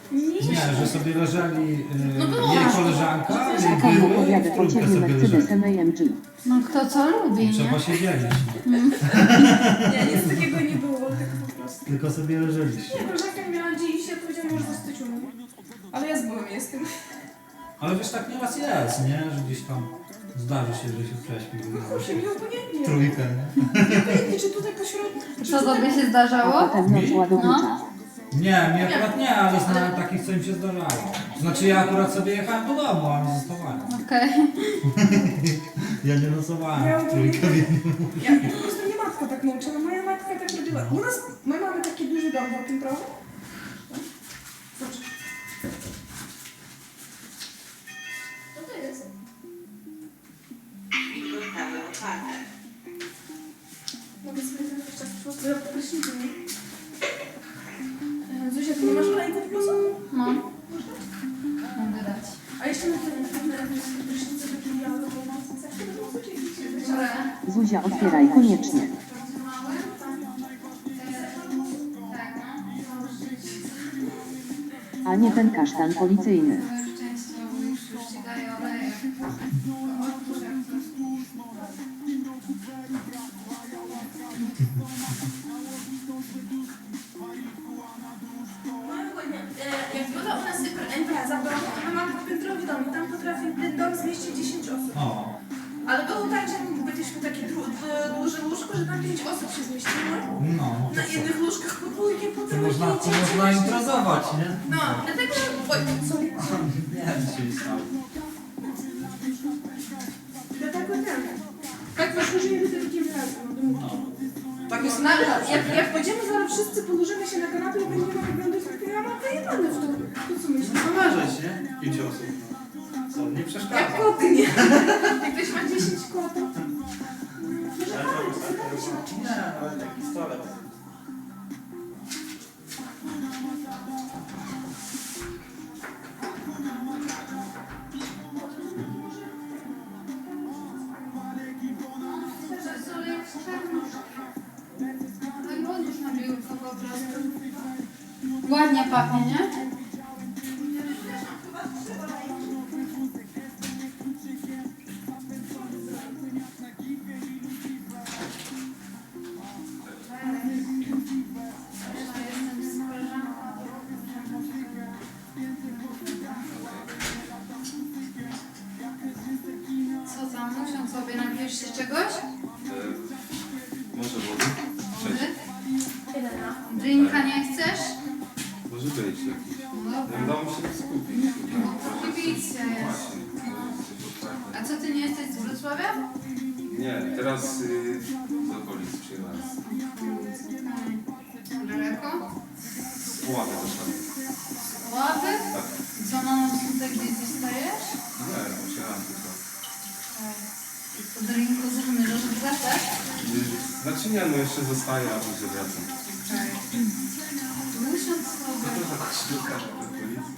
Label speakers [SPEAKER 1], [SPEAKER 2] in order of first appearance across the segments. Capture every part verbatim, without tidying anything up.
[SPEAKER 1] Nie, że sobie leżeli y,
[SPEAKER 2] No było.
[SPEAKER 1] jej koleżanka, jej
[SPEAKER 3] Czekam,
[SPEAKER 1] były,
[SPEAKER 3] opowiada
[SPEAKER 1] w
[SPEAKER 3] po
[SPEAKER 1] trójkę
[SPEAKER 3] ciebie
[SPEAKER 1] sobie
[SPEAKER 3] Mercedesem
[SPEAKER 1] leżeli.
[SPEAKER 3] A M G.
[SPEAKER 2] No kto co lubi, nie?
[SPEAKER 1] Trzeba się dzielić.
[SPEAKER 4] Nie, nic takiego nie było, tylko po prostu.
[SPEAKER 1] Tylko sobie leżeliście.
[SPEAKER 4] Nie, koleżanka miała dziś, ja powiedziałam, może zostać u mnie. Ale ja z byłem jestem.
[SPEAKER 1] Ale wiesz, tak nieraz jest, nie? Że gdzieś tam zdarzy się, że się prześpi.
[SPEAKER 4] Kurczę, mi obojętnie.
[SPEAKER 1] Trójkę, nie?
[SPEAKER 4] Obojętnie, czy tutaj pośrodku, czy
[SPEAKER 2] Co
[SPEAKER 4] tutaj...
[SPEAKER 2] tobie się
[SPEAKER 3] A
[SPEAKER 2] zdarzało?
[SPEAKER 3] potem noc ładownicza.
[SPEAKER 1] Nie, mi akurat nie, ale znałem takich, co im się zdarzało. Znaczy ja akurat sobie jechałem do domu, a nie zostawałem.
[SPEAKER 2] Okej.
[SPEAKER 1] Ja nie nocowałem w trójkę w jednym.
[SPEAKER 4] Ja po prostu mnie matka tak nauczyła, moja matka tak robiła. U nas, my mamy taki duży dom w tym trochę. Zobacz. Co to jest? Mogę sobie zamówić czas po prostu, ja prysznicy, nie? E, Zuzia, ty nie masz olejku w plusu?
[SPEAKER 2] No. Mogę dać.
[SPEAKER 4] A jeszcze na ten prysznicy takie białe, bo na chcesz to było zwyczajnie.
[SPEAKER 2] Które?
[SPEAKER 3] Zuzia, otwieraj koniecznie.
[SPEAKER 2] Tak, no.
[SPEAKER 3] A nie ten kasztan policyjny.
[SPEAKER 2] To już częściej mówisz, już ci daję olejek. Otwórz jak coś.
[SPEAKER 4] Jak była u nas impreza, bo my mamy piętrowy dom i tam potrafi ten dom zmieścić dziesięć osób.
[SPEAKER 1] O,
[SPEAKER 4] Ale było tak, że byliśmy takie dłu- dłu- duże łóżko, że tam pięć osób się zmieściło.
[SPEAKER 1] no.
[SPEAKER 4] Na jednych łóżkach po dwójkę, po
[SPEAKER 1] To
[SPEAKER 4] trójkę.
[SPEAKER 1] można, to
[SPEAKER 4] dzieci,
[SPEAKER 1] można
[SPEAKER 4] dzieci.
[SPEAKER 1] imprezować, nie?
[SPEAKER 4] No, dlatego... Oj, sorry.
[SPEAKER 1] Nie, dzisiaj stało.
[SPEAKER 4] Dlatego ten. Tak wyszło, że jedyny taki wyraz.
[SPEAKER 1] No.
[SPEAKER 4] Tak jest nawet. Jak, jak będziemy zaraz wszyscy położymy się na kanapie i będziemy oglądać, to ja mam wyjebane w to. To co myślisz?
[SPEAKER 1] No leżeć, nie? Pięć osób. Co, nie
[SPEAKER 4] Jak
[SPEAKER 1] przeszkadza.
[SPEAKER 4] koty, nie? Jak ktoś ma dziesięć kotów.
[SPEAKER 1] Nie, ale taki stolet.
[SPEAKER 2] Ładnie pachnie, nie? Co tam, muszą sobie napijesz się czegoś?
[SPEAKER 5] Może wody?
[SPEAKER 2] Wody? Drinka nie chcesz?
[SPEAKER 5] Może być jakiś.
[SPEAKER 2] No
[SPEAKER 5] Nie udało mi się skupić.
[SPEAKER 2] Kibicja jest. A co, ty nie jesteś z Wrocławia?
[SPEAKER 5] Nie, teraz y, z okolic przyjechałem.
[SPEAKER 2] Daleko?
[SPEAKER 5] Z Puławy też tam.
[SPEAKER 2] Ławy?
[SPEAKER 5] Tak.
[SPEAKER 2] Co, na noc tutaj gdzieś zostajesz?
[SPEAKER 5] Nie, przyjechałem tylko.
[SPEAKER 2] I po drinku zamierzasz wracać?
[SPEAKER 5] Y, Znaczy nie, no jeszcze zostaję, a później wracam.
[SPEAKER 2] Miesiąc
[SPEAKER 5] Co
[SPEAKER 2] sobie.
[SPEAKER 5] to za koszulka do policji?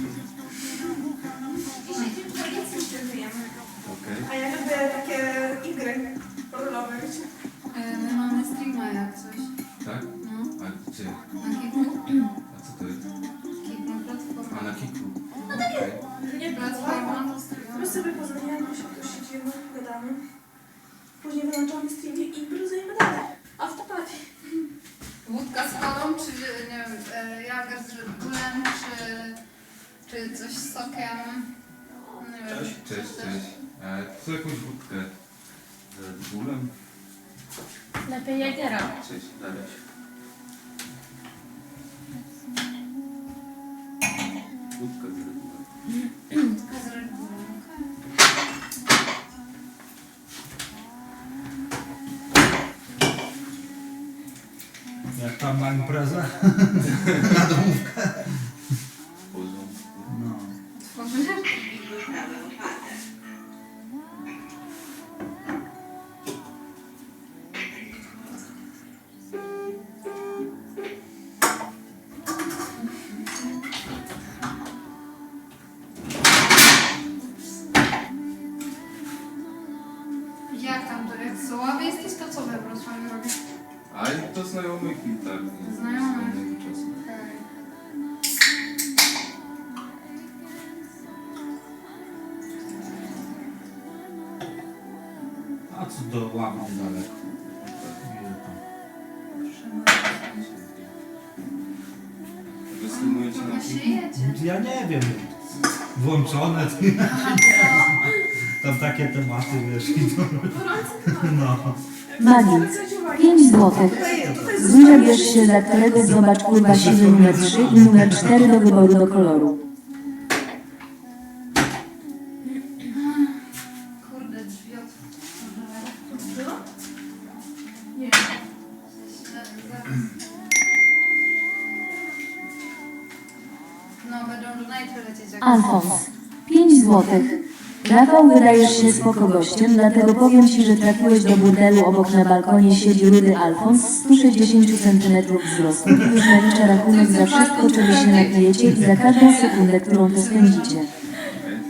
[SPEAKER 4] Dzisiaj dzień policji się żyjemy.
[SPEAKER 5] Okej.
[SPEAKER 4] A ja lubię takie igry rolowe, wiecie?
[SPEAKER 2] E, My mamy streama jak coś.
[SPEAKER 5] Tak?
[SPEAKER 2] No,
[SPEAKER 5] A gdzie?
[SPEAKER 2] na Kiku.
[SPEAKER 5] A co to jest?
[SPEAKER 2] Kik na platformę.
[SPEAKER 5] A na Kiku. Okej.
[SPEAKER 4] Nie
[SPEAKER 2] Platforma to
[SPEAKER 4] My
[SPEAKER 2] streama.
[SPEAKER 4] sobie pozamieniamy się, tu siedzimy, gadamy. Później wyłączamy streamie i imprezujemy dalej. Afterparty.
[SPEAKER 2] Wódka z kolą, czy nie wiem, e, jager z Red Bullem, czy, czy coś z sokiem? Nie wiem.
[SPEAKER 5] Cześć, cześć, cześć. E, co jakąś wódkę z Red Bullem?
[SPEAKER 4] Lepiej Jagera.
[SPEAKER 5] Cześć, Dariusz. Wódka z Red Bullem.
[SPEAKER 2] Wódka z Red Bullem.
[SPEAKER 1] Jak tam na imprezę?
[SPEAKER 5] W porządku.
[SPEAKER 1] No.
[SPEAKER 2] Tworzysz? Jak tam to, jak z Ławy jesteś, to co we Wrocławiu robisz?
[SPEAKER 5] A i to znajomych i tak. i
[SPEAKER 2] Znajomych.
[SPEAKER 5] z innego czasu.
[SPEAKER 2] Okej.
[SPEAKER 1] do ławy niedaleko. Ile tam?
[SPEAKER 5] Występujecie na
[SPEAKER 2] Chyba się
[SPEAKER 5] kilku?
[SPEAKER 2] jedzie.
[SPEAKER 1] Ja nie wiem. Włączone.
[SPEAKER 2] Aha, co?
[SPEAKER 1] Tam takie tematy, wiesz. i to- No.
[SPEAKER 3] Magik.
[SPEAKER 4] Zwróć uwagę.
[SPEAKER 3] pięć złotych.
[SPEAKER 4] Tutaj, tutaj jest
[SPEAKER 3] Zuzia, bierz się za którego zobacz kurwa siwy numer trzy i numer cztery do wyboru do koloru.
[SPEAKER 2] Kurde, drzwi otworzone.
[SPEAKER 4] Co? Nie.
[SPEAKER 2] Źle, zaraz. No, będą donate lecieć jak...
[SPEAKER 3] Alfons. pięć złotych. Rafał, wydajesz się spoko gościem, dlatego powiem ci, że trafiłeś do burdelu. Obok na balkonie siedzi rudy Alfons, sto sześćdziesiąt centymetrów wzrostu i już nalicza rachunek za wszystko, czego się napijecie i za każdą sekundę, którą tu spędzicie.
[SPEAKER 5] Okej.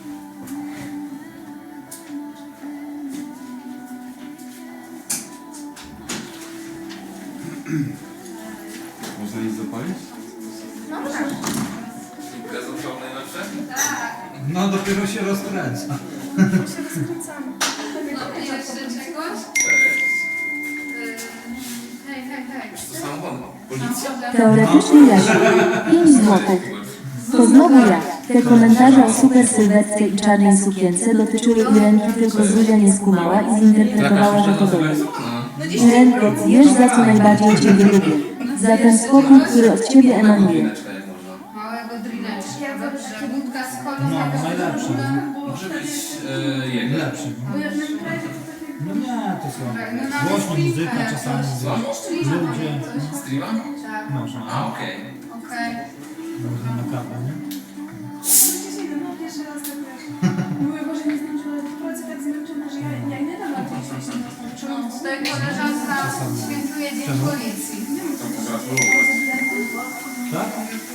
[SPEAKER 5] Można nic zapalić?
[SPEAKER 2] No tak.
[SPEAKER 5] Gazowczoł najlepsze?
[SPEAKER 2] Tak.
[SPEAKER 1] No dopiero się rozkręca.
[SPEAKER 4] My się rozkręcamy.
[SPEAKER 2] No i jeszcze czegoś?
[SPEAKER 5] Cześć.
[SPEAKER 2] Yy, hej, hej, hej.
[SPEAKER 5] To samochód. Policja?
[SPEAKER 3] Teoretycznie Jasiu. pięć złotych. To znowu ja. Te komentarze o super sylwetce i czarnej sukience dotyczyły Irenki, tylko Zuzia nie skumała i zinterpretowała, że to dobre.
[SPEAKER 4] No
[SPEAKER 3] Irenko, wiesz za co najbardziej Ciebie lubię. Za ten spokój, który od Ciebie emanuje.
[SPEAKER 5] Drineczka jak można.
[SPEAKER 2] Małego drineczka. Dobrze. Wódka z kolą.
[SPEAKER 1] No,
[SPEAKER 2] jakaś
[SPEAKER 1] najlepsze.
[SPEAKER 2] woda.
[SPEAKER 5] Może być e, jego.
[SPEAKER 1] Lepszy.
[SPEAKER 4] Bo ja w moim razie to takie...
[SPEAKER 1] No nie, to są
[SPEAKER 2] No nawet
[SPEAKER 1] głośno muzyka
[SPEAKER 2] streamka
[SPEAKER 1] czasami.
[SPEAKER 2] jakoś. Streama
[SPEAKER 1] Ludzie.
[SPEAKER 2] coś.
[SPEAKER 5] Streama?
[SPEAKER 2] Tak.
[SPEAKER 1] Można.
[SPEAKER 5] A, okej.
[SPEAKER 2] Okej.
[SPEAKER 1] Można na kawę, nie?
[SPEAKER 4] No pierwszy raz tak wiesz. Mówię, Boże, nie zmęczona, ale w pracy tak zmęczona, że ja, ja nie dam rady iść na
[SPEAKER 2] No, tutaj koleżanka świętuje Dzień
[SPEAKER 1] Czemu?
[SPEAKER 2] Policji.
[SPEAKER 5] To pogratulować.
[SPEAKER 1] Tak?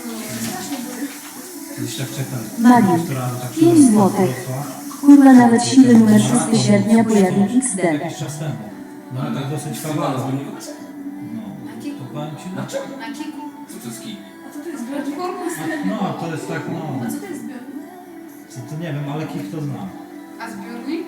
[SPEAKER 1] Kiedyś tak czekam.
[SPEAKER 3] Magik.
[SPEAKER 1] Która tak się
[SPEAKER 3] pięć złotych.
[SPEAKER 1] rozrosła.
[SPEAKER 3] Kurwa, nawet siły numer szóstego sierpnia pojawił X D.
[SPEAKER 1] Jakiś czas temu. No ale tak dosyć
[SPEAKER 5] Streama na
[SPEAKER 1] kawałek.
[SPEAKER 5] zbiorniku?
[SPEAKER 1] No. To powiem ci,
[SPEAKER 5] Na czym?
[SPEAKER 2] Na kiku.
[SPEAKER 5] Co to jest kij?
[SPEAKER 4] A co to jest zbiornik?
[SPEAKER 1] no to jest tak, no.
[SPEAKER 4] A co to jest zbiornik?
[SPEAKER 1] Co to nie wiem, ale Kik to znam.
[SPEAKER 2] A zbiornik?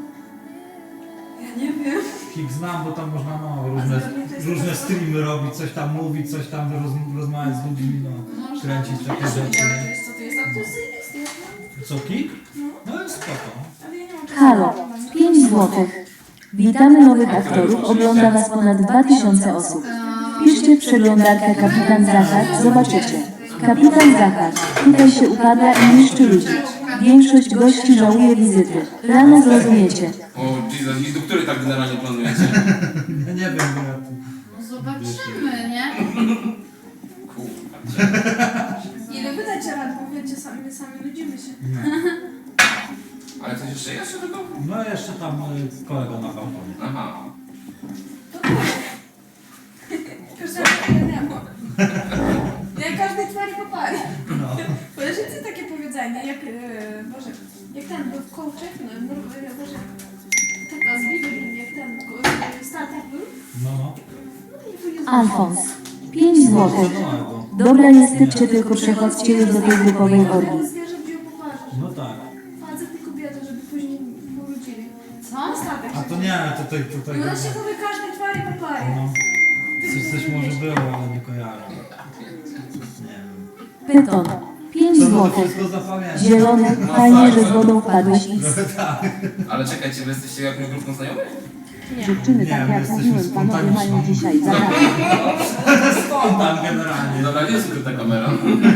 [SPEAKER 4] Ja nie wiem.
[SPEAKER 1] Kik znam, bo tam można no, różne, różne streamy robić, coś tam mówić, coś tam roz, rozmawiać z ludźmi, no.
[SPEAKER 2] Można.
[SPEAKER 1] Kręcić takie rzeczy.
[SPEAKER 4] Ale wiesz co to jest? A to jest zajebiste, ja znam.
[SPEAKER 1] Co, Kik? No jest spoko.
[SPEAKER 4] Ale ja nie mam czasu.
[SPEAKER 3] Halo, pięć złotych. Witamy nowych aktorów, ogląda Was ponad dwa tysiące osób. Piszcie w przeglądarkę Kapitan Zachar, zobaczycie. Kapitan Zachar, tutaj się upada i niszczy ludzi. Większość gości żałuje wizyty. Rano zrozumiecie.
[SPEAKER 5] O, Jesus, i do której tak generalnie planujecie?
[SPEAKER 1] Ja nie wiem, bo ja tu...
[SPEAKER 2] No zobaczymy, nie?
[SPEAKER 5] Kurwa.
[SPEAKER 4] Ile wydać rad, bo wiecie, sami, my sami nudzimy się.
[SPEAKER 1] No,
[SPEAKER 5] Ale coś jeszcze jest do tego?
[SPEAKER 1] no jeszcze tam y, kolega na balkonie.
[SPEAKER 5] Aha.
[SPEAKER 4] To to. Każdego ja nie mam. Ja każdej twari po pary.
[SPEAKER 1] No.
[SPEAKER 4] Kojarzycie takie powiedzenie, jak, e, Boże, jak ten był kołczek, no, no, e, Boże, taka z Biblii, jak ten e, statek był.
[SPEAKER 1] No, no.
[SPEAKER 4] No i powiedział,
[SPEAKER 3] Alfons, pięć złotych.
[SPEAKER 1] No,
[SPEAKER 3] Dobra, nie styczcie, tylko przechodźcie już do tej grupowej orgi.
[SPEAKER 4] ale zwierzę wziął po parze.
[SPEAKER 1] no tak.
[SPEAKER 4] Facet i kobieta, żeby później powrócili.
[SPEAKER 2] Co?
[SPEAKER 4] Na statek
[SPEAKER 1] A
[SPEAKER 4] się
[SPEAKER 1] to nie, tutaj, tutaj...
[SPEAKER 4] I ona się mówi każdej twari po pary.
[SPEAKER 1] No. Coś, coś może było, ale nie kojarzę. Nie wiem.
[SPEAKER 3] Pyton, pięć
[SPEAKER 1] To no to
[SPEAKER 3] złotych.
[SPEAKER 1] wszystko zapamiętam.
[SPEAKER 3] Zielony, fajnie, że z wodą wpadłeś X.
[SPEAKER 5] Ale czekajcie, wy jesteście jakąś grupą znajomych?
[SPEAKER 3] Dziewczyny,
[SPEAKER 1] Nie,
[SPEAKER 3] tak
[SPEAKER 1] my
[SPEAKER 3] jak
[SPEAKER 1] jesteśmy
[SPEAKER 3] mówiłem, panowie mają
[SPEAKER 1] spontaniczną.
[SPEAKER 3] dzisiaj zagadkę.
[SPEAKER 1] Spontan generalnie.
[SPEAKER 5] Dobra, nie jest ukryta kamera.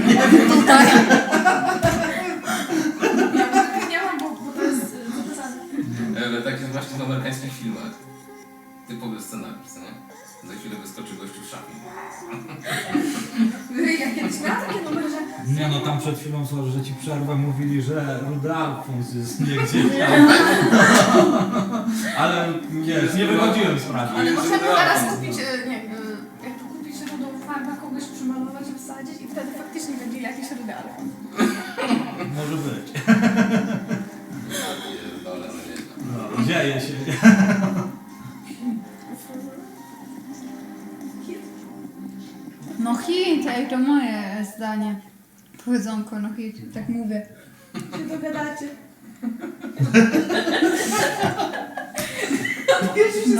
[SPEAKER 4] Ja nie mam, bo, bo to jest e, zapisane.
[SPEAKER 5] Ale tak jest właśnie w amerykańskich filmach. Typowy scenariusz, co nie? Za chwilę wyskoczy gościu w szafie.
[SPEAKER 4] Ja kiedyś miałam takie numery, że
[SPEAKER 1] Nie no, tam przed chwilą, sorry, że ci przerwę, mówili, że Rudy Alfons jest nie gdzieś tam. Ale wiesz, nie wychodziłem z pracy.
[SPEAKER 4] ale możemy teraz kupić, e, nie wiem, e, jak tu kupić rudą farbę, kogoś przymalować i wsadzić i wtedy faktycznie będzie jakiś rudy alfon.
[SPEAKER 1] Może być.
[SPEAKER 5] Dole, no nie.
[SPEAKER 1] No, dzieje się.
[SPEAKER 2] No hit, ej, to moje zdanie. Powiedzonko, no hit, tak mówię.
[SPEAKER 4] Się dogadacie.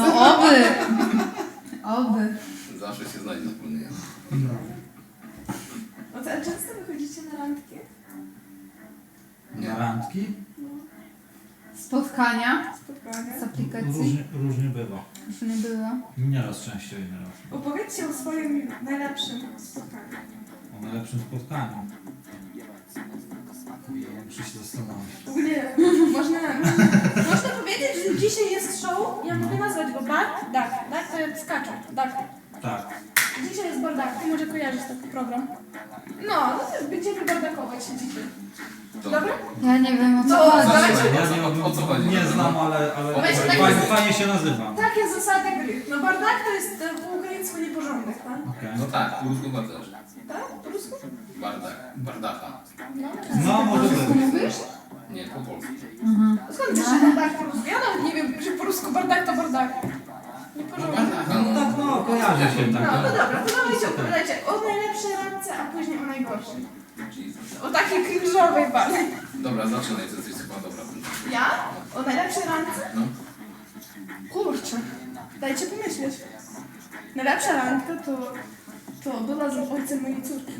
[SPEAKER 2] No oby. Oby.
[SPEAKER 5] Zawsze się znajdzie wspólny język.
[SPEAKER 1] No.
[SPEAKER 4] No to często wychodzicie na randki?
[SPEAKER 1] Na randki?
[SPEAKER 2] Spotkania
[SPEAKER 4] Spotkania?
[SPEAKER 2] z aplikacji.
[SPEAKER 1] Różnie, różnie bywa.
[SPEAKER 2] Już nie było.
[SPEAKER 1] Nieraz częściej, nieraz.
[SPEAKER 4] Opowiedzcie o swoim najlepszym spotkaniu.
[SPEAKER 1] O najlepszym spotkaniu. Ja muszę się zastanowić.
[SPEAKER 4] Ogólnie można, można powiedzieć, że dzisiaj jest show. Ja mogę nazwać go Bar Dak. Dak to jest skaczą. Dak.
[SPEAKER 1] Tak.
[SPEAKER 4] Dzisiaj jest Bardak. Ty może kojarzysz taki program. No, no to będziemy bardakować się dzisiaj. Dobra?
[SPEAKER 2] Ja nie wiem o co
[SPEAKER 4] No,
[SPEAKER 2] chodzi.
[SPEAKER 4] dawajcie.
[SPEAKER 1] Ja
[SPEAKER 5] O co-
[SPEAKER 1] nie,
[SPEAKER 5] o co chodzi?
[SPEAKER 1] nie znam, ale, ale
[SPEAKER 4] Weź tak
[SPEAKER 1] fajnie,
[SPEAKER 4] jest-
[SPEAKER 1] fajnie się nazywa.
[SPEAKER 4] Takie zasady gry. No bardak to jest e, po ukraińsku nieporządek, tak?
[SPEAKER 1] Okej.
[SPEAKER 5] No tak, po rusku chyba też.
[SPEAKER 4] Tak? Po rusku?
[SPEAKER 5] Bardak, bardacha.
[SPEAKER 4] No.
[SPEAKER 1] No, może być.
[SPEAKER 2] Mówisz?
[SPEAKER 5] Nie, po polsku.
[SPEAKER 4] A skąd wiesz, że bardak po rusku? Ja nawet nie wiem, że po rusku bardak to bardak.
[SPEAKER 5] No
[SPEAKER 4] Nieporządek.
[SPEAKER 5] bardacha,
[SPEAKER 1] No tak, no, kojarzę się
[SPEAKER 4] No,
[SPEAKER 1] tak.
[SPEAKER 4] no dobra, to dawajcie, opowiadajcie o najlepszej randce, a później o najgorszej.
[SPEAKER 5] Jesus.
[SPEAKER 4] O takiej cringe'owej bardziej.
[SPEAKER 5] Dobra, zaczynaj, to jesteś chyba dobra.
[SPEAKER 4] Ja? O najlepszej randce?
[SPEAKER 5] No.
[SPEAKER 4] Kurczę, dajcie pomyśleć. Najlepsza randka to, to była z ojcem mojej córki.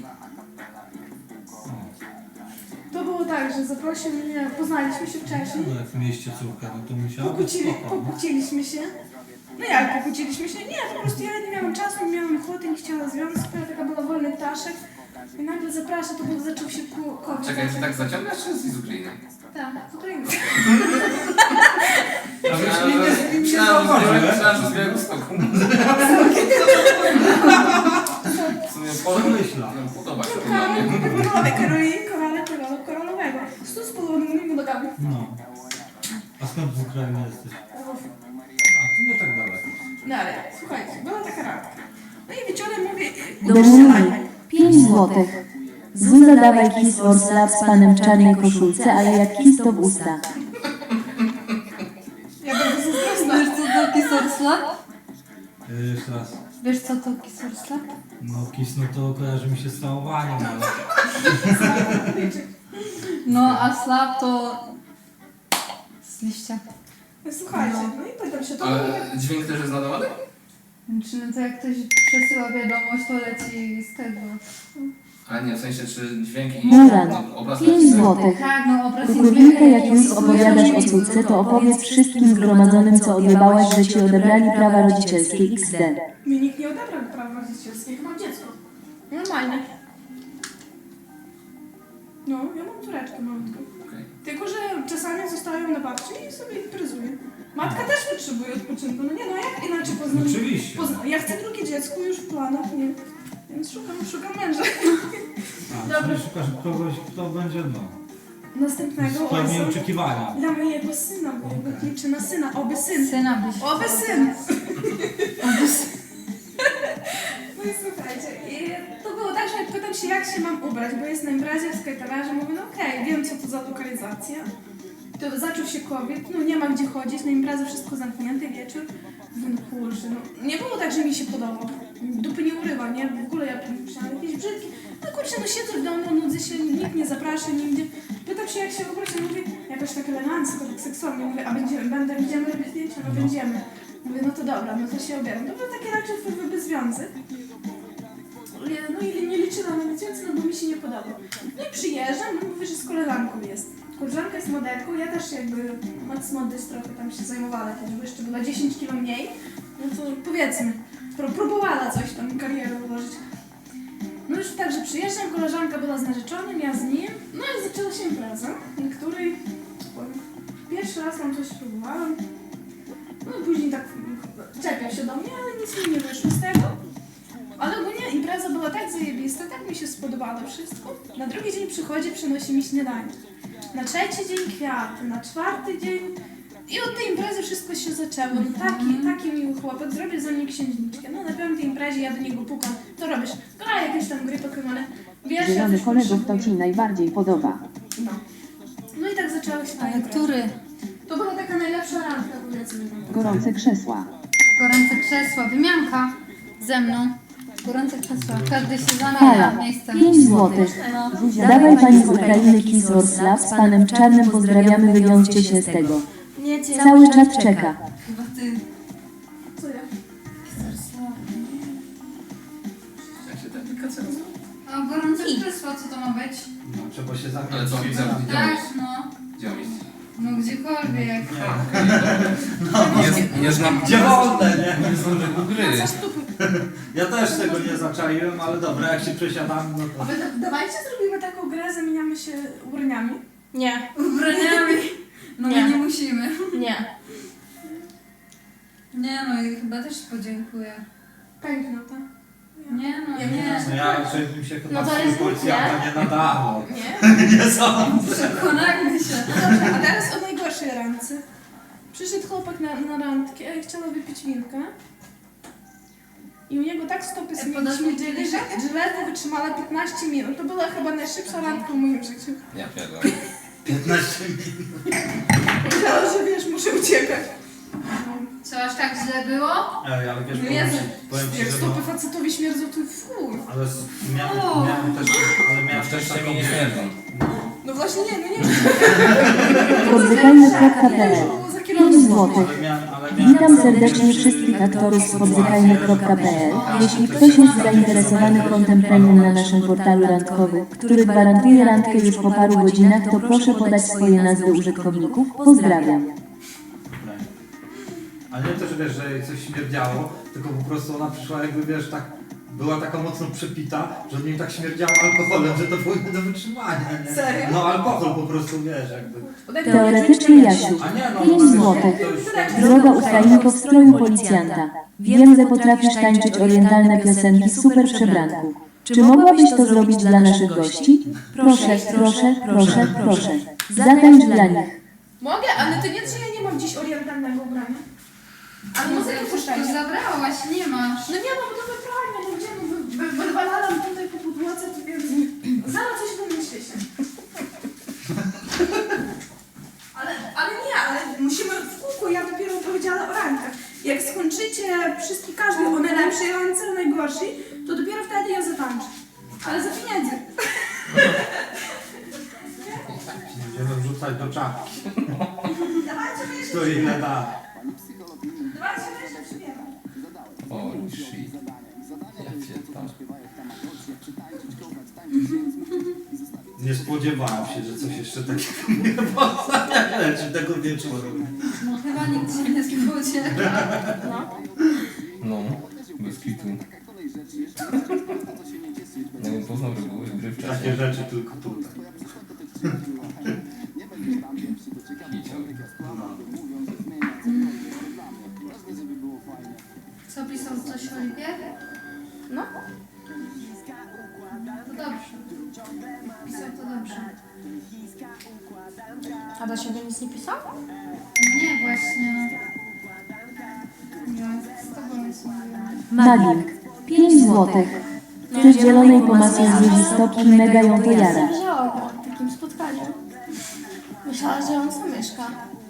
[SPEAKER 4] To było tak, że zaprosił mnie, poznaliśmy się wcześniej,
[SPEAKER 1] No, jak mieliście córkę, no to musiało być
[SPEAKER 4] pokłócili,
[SPEAKER 1] spoko. no.
[SPEAKER 4] pokłóciliśmy się. No jak pokłóciliśmy się? Nie, po prostu ja nie miałam czasu, nie miałam ochoty, nie chciała związku, ja taka była wolny ptaszek. I nagle zaprasza, to był, zaczął się ku- COVID.
[SPEAKER 5] Czekaj, ty tak zaciągasz, czy jesteś z Ukrainy?
[SPEAKER 4] Tak, z Ukrainy.
[SPEAKER 1] A wiesz, nie, nie, nie, nie
[SPEAKER 5] Myślałem,
[SPEAKER 1] zauważyłem.
[SPEAKER 5] myślałem, że z Białegostoku. W sumie podoba,
[SPEAKER 1] Myślę.
[SPEAKER 5] no, podoba się to dla mnie.
[SPEAKER 4] Korolowe, Karoliny, korale, korolo, korolowego. Stu z południowymi nogami.
[SPEAKER 1] No. A skąd z Ukrainy jesteś? A, to nie tak daleko.
[SPEAKER 4] No ale słuchajcie, była taka randka. No i wieczorem mówię,
[SPEAKER 3] Dominik, pięć złotych. Zuza dawaj kiss or slap z panem w czarnej koszulce, ale jak kiss to w usta.
[SPEAKER 4] Ja będę zazdrosna.
[SPEAKER 2] Wiesz co to kisorsla?
[SPEAKER 1] Y, Jeszcze raz.
[SPEAKER 2] Wiesz co to kisorsla?
[SPEAKER 1] No kiss, no to kojarzy mi się z całowaniem, ale...
[SPEAKER 2] No a slap to z liścia.
[SPEAKER 4] No słuchajcie, no i pytam się, to było tak...
[SPEAKER 5] Ale dźwięk też jest nadawany?
[SPEAKER 2] Czy no to jak ktoś przesyła wiadomość, to leci z tego.
[SPEAKER 5] Ale nie, w sensie, czy dźwięki...
[SPEAKER 3] Muran,
[SPEAKER 5] no, obraz
[SPEAKER 3] pięć złotych.
[SPEAKER 2] Tak, no obraz jest
[SPEAKER 3] Kukulinka, jak już opowiadasz o córce, to opowiedz wszystkim zgromadzonym, co odjebałaś, że ci odebrali prawa rodzicielskie iks de.
[SPEAKER 4] Mi nikt nie odebrał prawa rodzicielskiego, mam dziecko. Normalnie. No, ja mam córeczkę malutką.
[SPEAKER 5] Okej.
[SPEAKER 4] Tylko, że czasami zostają na babci i sobie imprezuję. Matka też potrzebuje odpoczynku, no nie, no jak inaczej poznać?
[SPEAKER 1] Oczywiście.
[SPEAKER 4] Pozna- ja chcę drugie dziecko już w planach, nie? Więc szukam, szukam męża.
[SPEAKER 1] A,
[SPEAKER 4] Dobra.
[SPEAKER 1] czyli szukasz kogoś, kto będzie, no,
[SPEAKER 4] Następnego
[SPEAKER 1] spełni
[SPEAKER 4] ojca
[SPEAKER 1] oczekiwania.
[SPEAKER 4] dla mojego syna, bo ja go liczę na syna, oby syn.
[SPEAKER 2] syna byś.
[SPEAKER 4] Oby syn! No i słuchajcie, i to było tak, że pytam się, jak się mam ubrać, bo jest na imprezie w skajtarze, mówię, no okej, wiem co to za lokalizacja. To zaczął się COVID, no nie ma gdzie chodzić, na imprezę wszystko zamknięte, wieczór. Mówię, no kurczę, no nie było tak, że mi się podobał. Dupy nie urywa, nie? W ogóle ja myślałam jakieś brzydkie. No kurczę, no siedzę w domu, nudzę się, nikt nie zaprasza nigdzie. Pytam się, jak się ubrać, no mówię, jakoś tak elegancko, tak seksownie. Mówię, a będziemy, będę, będziemy robić zdjęcia? No będziemy. Mówię, no to dobra, no to się ubieram. To był taki raczej wpływy związek. No i nie liczyłam na nic więcej, no bo mi się nie podobał. No i przyjeżdżam, no mówię, że z koleżanką jest. Koleżanka jest modelką, ja też jakby Max Modys trochę tam się zajmowała kiedyś, bo jeszcze była dziesięć kilo mniej. No to powiedzmy, pró- próbowała coś tam, karierę ułożyć. No już tak, że przyjeżdżam, koleżanka była z narzeczonym, ja z nim. No i zaczęła się impreza, na której powiem, pierwszy raz tam coś próbowałam. No i później tak czepiał się do mnie, ale nic mi nie wyszło z tego. Ale ogólnie impreza była tak zajebista, tak mi się spodobało wszystko. Na drugi dzień przychodzi, przynosi mi śniadanie. Na trzeci dzień kwiaty, na czwarty dzień... I od tej imprezy wszystko się zaczęło. No taki, taki miły chłopak, zrobię za mnie księżniczkę. No na piątej imprezie ja do niego pukam. Co robisz? Gra jakieś tam gry Pokemony. Wiesz, ja
[SPEAKER 3] Zielony
[SPEAKER 4] coś
[SPEAKER 3] kolegów to
[SPEAKER 4] potrzebuję.
[SPEAKER 3] ci najbardziej podoba.
[SPEAKER 4] No. No i tak zaczęła się ta
[SPEAKER 2] Ale
[SPEAKER 4] impreza.
[SPEAKER 2] który?
[SPEAKER 4] To była taka najlepsza randka, powiedzmy.
[SPEAKER 3] Gorące krzesła.
[SPEAKER 2] Gorące krzesła. Wymianka ze mną. Gorące krzesła. Każdy się zamienia
[SPEAKER 3] Hala,
[SPEAKER 2] miejscem.
[SPEAKER 3] pięć złotych.
[SPEAKER 2] No.
[SPEAKER 3] Dawaj pani z Ukrainy kiss or slap z panem w czarnym, pozdrawiamy, wywiążcie się z tego.
[SPEAKER 4] Nie, cię.
[SPEAKER 3] Cały czat czeka.
[SPEAKER 2] Chyba ty. Królestwo, co to ma być?
[SPEAKER 1] No, trzeba się zabrać.
[SPEAKER 5] Ale co, widzę, widzę.
[SPEAKER 2] Tak, no.
[SPEAKER 5] Gdzie mam iść?
[SPEAKER 2] No gdziekolwiek.
[SPEAKER 5] Nie, nie znam...
[SPEAKER 1] Gdzie wolne, nie?
[SPEAKER 5] Nie znam tego gry.
[SPEAKER 4] Za stupy.
[SPEAKER 1] Ja też tego nie zaczaiłem, ale dobra, jak się przesiadam, no to...
[SPEAKER 4] A wy da- dawajcie zrobimy taką grę, zamieniamy się ubraniami. Nie.
[SPEAKER 2] Ubraniami. No
[SPEAKER 4] Nie.
[SPEAKER 2] my nie musimy.
[SPEAKER 4] Nie.
[SPEAKER 2] Nie no i chyba też podziękuję.
[SPEAKER 4] Pękno to.
[SPEAKER 2] Nie no,
[SPEAKER 4] Ja
[SPEAKER 2] nie.
[SPEAKER 1] No ja raczej bym się chyba
[SPEAKER 4] No to
[SPEAKER 1] no
[SPEAKER 4] jest
[SPEAKER 1] policjanta nie nadawał.
[SPEAKER 4] Nie?
[SPEAKER 1] Nie sądzę.
[SPEAKER 2] Przekonajmy się.
[SPEAKER 4] No dobrze, a teraz o najgorszej randce. Przyszedł chłopak na, na randkę, chciał wypić winkę. I u niego tak stopy
[SPEAKER 2] E, podasz mi
[SPEAKER 4] śmierdzieli, że, że ledwo wytrzymała piętnaście minut. To była chyba najszybsza randka w moim życiu.
[SPEAKER 5] Ja pierdolę.
[SPEAKER 1] piętnaście minut.
[SPEAKER 4] Myślałam, że wiesz, muszę uciekać.
[SPEAKER 2] Co, aż tak źle było?
[SPEAKER 1] Ej, ale wiesz,
[SPEAKER 4] No
[SPEAKER 1] powiem
[SPEAKER 4] Jezu,
[SPEAKER 1] ci, powiem ci,
[SPEAKER 4] jak
[SPEAKER 1] że no...
[SPEAKER 4] stopy facetowi śmierdzą, to fuj.
[SPEAKER 1] Ale s- miałem, miałem też... Ale
[SPEAKER 5] Na
[SPEAKER 1] miałem też
[SPEAKER 5] szczęście
[SPEAKER 1] taką...
[SPEAKER 5] mi nie śmierdzą.
[SPEAKER 4] No właśnie nie, no nie.
[SPEAKER 3] Podzykajmy kropka p l.
[SPEAKER 4] Za
[SPEAKER 3] pięć
[SPEAKER 4] kierownicą.
[SPEAKER 3] złotych.
[SPEAKER 1] Ale miałem, ale miałem
[SPEAKER 3] Witam serdecznie wszystkich aktorów z podzykajmy kropka p l. Jeśli ktoś jest zainteresowany kontem premium na naszym portalu randkowym, który gwarantuje randkę już po paru godzinach, to proszę podać swoje nazwy użytkowników. Pozdrawiam.
[SPEAKER 1] Ale nie to, że wiesz, że jej coś śmierdziało, tylko po prostu ona przyszła jakby, wiesz, tak... Była taka mocno przepita, że od niej tak śmierdziało alkoholem, że to było nie do wytrzymania, nie?
[SPEAKER 4] Serio?
[SPEAKER 1] No alkohol po prostu, wiesz, jakby...
[SPEAKER 3] Teoretycznie Jasiu.
[SPEAKER 1] A nie, no...
[SPEAKER 3] pięć
[SPEAKER 1] no,
[SPEAKER 3] złotych.
[SPEAKER 1] to już tak-
[SPEAKER 3] Droga Ukrainko w stroju policjanta. Wiem, że potrafisz tańczyć orientalne piosenki w super przebranku. Czy mogłabyś to zrobić dla naszych gości? Proszę, proszę, proszę, proszę. Zatańcz dla nich.
[SPEAKER 4] Mogę, ale to nie, że ja nie mam dziś orientalnego ubrania. Ale
[SPEAKER 2] No
[SPEAKER 4] muzykę
[SPEAKER 2] to
[SPEAKER 4] puszczajcie.
[SPEAKER 2] zabrałaś, nie masz.
[SPEAKER 4] No nie, no bo to wypralnia, no gdzie, no wy- wy- wywalalam tutaj po podłodze, to więc zaraz coś wymyślicie. Ale, ale nie, ale musimy w kółko, ja dopiero powiedziała o randkach. Jak skończycie wszystkie, każdy o najlepszej randce, o najgorszej, to dopiero wtedy ja zatańczę. Ale za pieniędzy.
[SPEAKER 1] Będziemy wrzucać do czapki.
[SPEAKER 4] Dawajcie, my jeszcze
[SPEAKER 1] To ile da.
[SPEAKER 4] Dawajcie, my jeszcze przybiegam.
[SPEAKER 5] Holy shit. Ja pierdolę.
[SPEAKER 1] Nie spodziewałem się, że coś jeszcze takiego mnie powstanie tego wieczoru.
[SPEAKER 2] No chyba nikt się nie spodziewa.
[SPEAKER 5] No, bez kitu. Nie wiem, poznał reguły gry
[SPEAKER 1] Takie
[SPEAKER 5] wcześniej.
[SPEAKER 1] rzeczy tylko tutaj.
[SPEAKER 5] Hiciał.
[SPEAKER 2] Co pisał coś o Oliwie?
[SPEAKER 4] No.
[SPEAKER 2] To dobrze. Pisał to dobrze.
[SPEAKER 4] A do siebie nic nie pisał?
[SPEAKER 2] Nie, właśnie. Nie, z tobą jest mówiłam.
[SPEAKER 3] Magik. pięć złotych. Ty z zielonej pomasy z ludzi stopki mega ją to jara.
[SPEAKER 4] Zależało go od takim spotkaniu. Myślała, że on sam mieszka.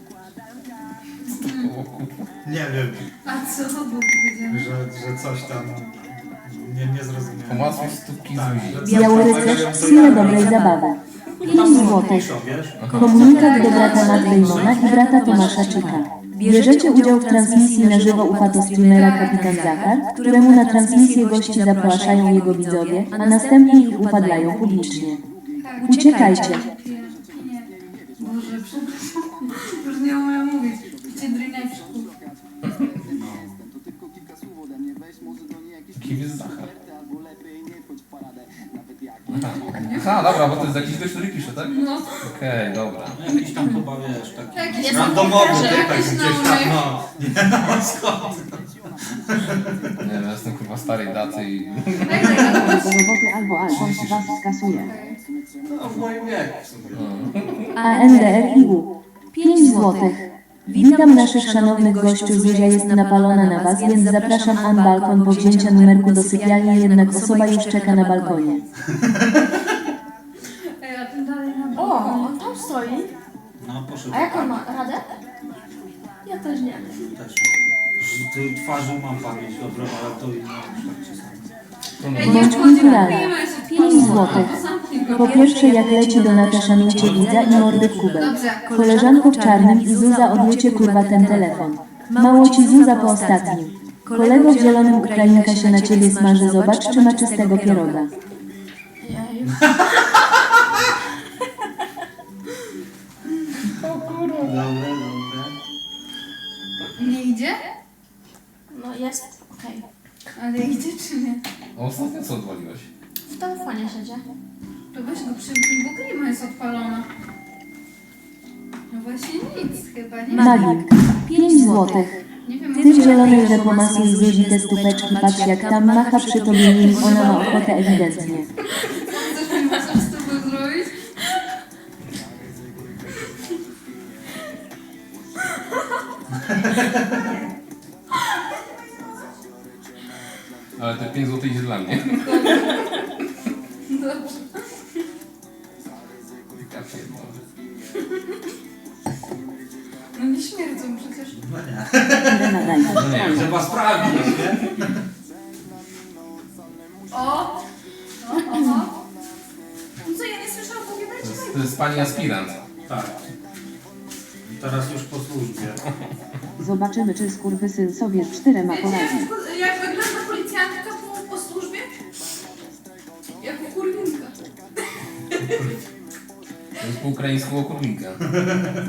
[SPEAKER 1] Nie wiem,
[SPEAKER 2] A co było powiedziane?
[SPEAKER 1] że, że coś tam nie, nie zrozumiałem.
[SPEAKER 5] Pomacł stópki
[SPEAKER 1] Tak,
[SPEAKER 5] z
[SPEAKER 1] że
[SPEAKER 5] ludzi.
[SPEAKER 1] coś
[SPEAKER 3] Biały
[SPEAKER 1] tam
[SPEAKER 3] rycerz,
[SPEAKER 1] robią, to
[SPEAKER 3] siła
[SPEAKER 1] ja-
[SPEAKER 3] dobrej zabawy. pięć
[SPEAKER 1] Tam
[SPEAKER 3] złotych.
[SPEAKER 1] piszą, wiesz?
[SPEAKER 3] Komunikat do brata Matwejmona i brata Tomasza Czyka. Bierzecie udział w transmisji na żywo u patostreamera Kapitan Zachar, któremu na transmisję gości zapraszają jego widzowie, a następnie ich upadlają publicznie.
[SPEAKER 2] Tak.
[SPEAKER 3] Uciekajcie.
[SPEAKER 2] Piję, piję. Boże, przepraszam. Już nie umiem mówić. Picie drineczku.
[SPEAKER 5] Kim jest Zachar? Aha. Aha, dobra, bo to jest jakiś gość, który pisze, tak?
[SPEAKER 2] No.
[SPEAKER 5] Okej, dobra.
[SPEAKER 1] Jakiś tam chyba, wiesz, taki
[SPEAKER 2] Jakiś
[SPEAKER 1] randomowy
[SPEAKER 2] tam
[SPEAKER 1] tutaj
[SPEAKER 2] jakiś
[SPEAKER 1] gdzieś tam,
[SPEAKER 2] numer.
[SPEAKER 1] no. Nie no, skąd?
[SPEAKER 5] Nie wiem, ja jestem kurwa starej daty i...
[SPEAKER 2] Daj, daj, daj.
[SPEAKER 6] Roboty albo Alfon was skasuje.
[SPEAKER 1] No, w moim wieku w sumie.
[SPEAKER 3] A N D R I U. pięć złotych. Witam naszych szanownych gościów, Zuzia jest napalona na was, więc zapraszam an balkon po wzięcia numerku do sypialni, jednak osoba już czeka na balkonie.
[SPEAKER 2] Ej, a ten dalej na
[SPEAKER 4] O,
[SPEAKER 2] balkonie.
[SPEAKER 4] on tam stoi.
[SPEAKER 1] No, poszedł.
[SPEAKER 4] A jak on ma? Radę? Ja też nie.
[SPEAKER 1] Też. Z tej twarzy mam pamięć dobrą, ale to inne tak czasami.
[SPEAKER 2] Ej,
[SPEAKER 3] Bądź
[SPEAKER 2] nie wchodzi,
[SPEAKER 3] kulturalna.
[SPEAKER 2] kupujemy się.
[SPEAKER 3] pięć złotych.
[SPEAKER 2] Zamknij go.
[SPEAKER 3] Po pierwsze jak leci Donata szanujcie widza i mordy w kubę.
[SPEAKER 2] Dobrze.
[SPEAKER 3] Koleżanko w czarnym i Zuza odjecie kurwa ten telefon. Mało ci Zuza po ostatnim. Kolego w zielonym Ukrainka się na ciebie smaży, zobacz czy ma czystego pieroga.
[SPEAKER 4] Jeju. Oliwie. O kurwa.
[SPEAKER 1] Dobre, dobre.
[SPEAKER 2] Nie idzie?
[SPEAKER 4] No jest, okej.
[SPEAKER 2] Ale idzie czy nie?
[SPEAKER 5] A ostatnio co odwaliłeś?
[SPEAKER 4] W telefonie siedzi.
[SPEAKER 2] To weź go przyjmij, bo klima jest odpalona. No właśnie nic chyba, nie?
[SPEAKER 3] Magik. pięć złotych.
[SPEAKER 2] Nie wiem,
[SPEAKER 3] Ty w zielonej rzepomaskiej z ludzi te stupeczki, patrz jak tam macha przy tobie nim, ona ma ochotę ewidentnie.
[SPEAKER 2] chcesz mi masaż z tobą zrobić?
[SPEAKER 5] Ale te pięć złotych idzie dla mnie.
[SPEAKER 2] Dobrze.
[SPEAKER 5] Ja pierdolę.
[SPEAKER 2] No nie śmierdzą przecież.
[SPEAKER 1] No nie.
[SPEAKER 3] Irena daj.
[SPEAKER 5] No nie,
[SPEAKER 1] Trzeba sprawdzić, nie?
[SPEAKER 2] O! O, oho.
[SPEAKER 4] No co, ja nie słyszałam,
[SPEAKER 5] to
[SPEAKER 4] powiadajcie
[SPEAKER 5] jest, to jest pani aspirant.
[SPEAKER 1] Tak. Teraz już po służbie.
[SPEAKER 6] Zobaczymy, czy skurwysyn sobie z czterema
[SPEAKER 4] Wiecie,
[SPEAKER 6] poradzi.
[SPEAKER 4] jak, jak wygląda policjantka po, po służbie?
[SPEAKER 2] Jako kurwinka.
[SPEAKER 5] To jest po ukraińsku okurnika.